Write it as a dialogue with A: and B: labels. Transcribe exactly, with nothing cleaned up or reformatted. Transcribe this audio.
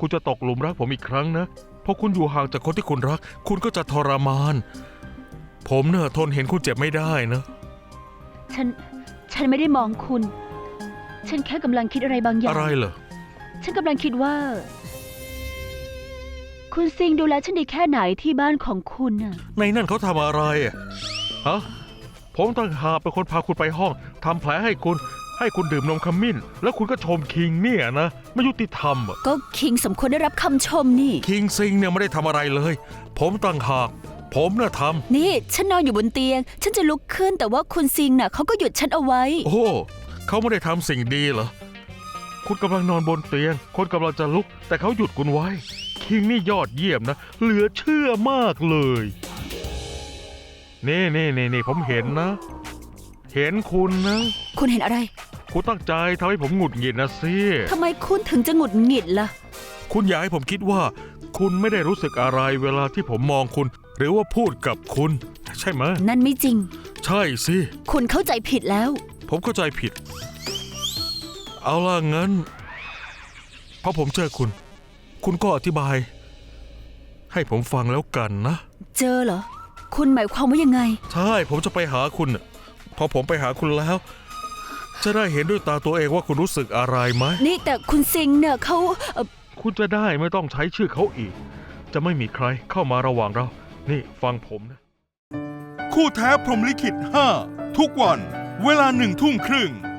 A: คุณจะตกหลุมรักผมอีกครั้งนะพอคุณอยู่ห่างจากคนที่คุณรักคุณก็จะทรมานผมเนี่ยทนเห็นคุณเจ็บไม่ได้นะ
B: ฉันฉันไม่ได้มองคุณ ฉันแค่กำลังคิดอะไรบางอย่าง
A: อะไรเหรอ
B: ฉันกำลังคิดว่าคุณซิงดูแลฉันดีแค่ไหนที่บ้านของคุณน่ะ
A: ในนั่นเขาทำอะไรอะฮะผมต่างหากเป็นคนพาคุณไปห้องทำแผลให้คุณให้คุณดื่มนมขมิ้นแล้วคุณก็ชมคิงเนี่ยนะไม่ยุติธรรมอ่ะ
B: ก็คิงสมควรได้รับคำชมนี่
A: คิงซิงเนี่ยไม่ได้ทำอะไรเลยผมต่างหากผมน่ะทำ
B: นี่ฉันนอนอยู่บนเตียงฉันจะลุกขึ้นแต่ว่าคุณซิงน่ะเขาก็หยุดฉันเอาไว้
A: โอ้เขาไม่ได้ทำสิ่งดีเหรอคุณกำลังนอนบนเตียงคนกำลังจะลุกแต่เขาหยุดคุณไว้คิงนี่ยอดเยี่ยมนะเหลือเชื่อมากเลยนี่นี่นี่นี่ผมเห็นนะเห็นคุณนะ
B: คุณเห็นอะไร
A: คุณตั้งใจทำให้ผมหงุดหงิดนะสิ
B: ทำไมคุณถึงจะหงุดหงิดล่ะ
A: คุณอยากให้ผมคิดว่าคุณไม่ได้รู้สึกอะไรเวลาที่ผมมองคุณหรือว่าพูดกับคุณใช่ไหม
B: นั่นไม่จริง
A: ใช่สิ
B: คุณเข้าใจผิดแล้ว
A: ผมเข้าใจผิดเอาล่ะงั้นพอผมเจอคุณคุณก็อธิบายให้ผมฟังแล้วกันนะ
B: เจอเหรอคุณหมายความว่ายังไง
A: ใช่ผมจะไปหาคุณพอผมไปหาคุณแล้วจะได้เห็นด้วยตาตัวเองว่าคุณรู้สึกอะไรไหม
B: นี่แต่คุณซิงเนี่ยเขาเอ่อ
A: คุณจะได้ไม่ต้องใช้ชื่อเขาอีกจะไม่มีใครเข้ามาระหว่างเรานี่ฟังผมนะ
C: คู่แท้พรหมลิขิตห้าทุกวันเวลาหนึ่งทุ่มครึ่ง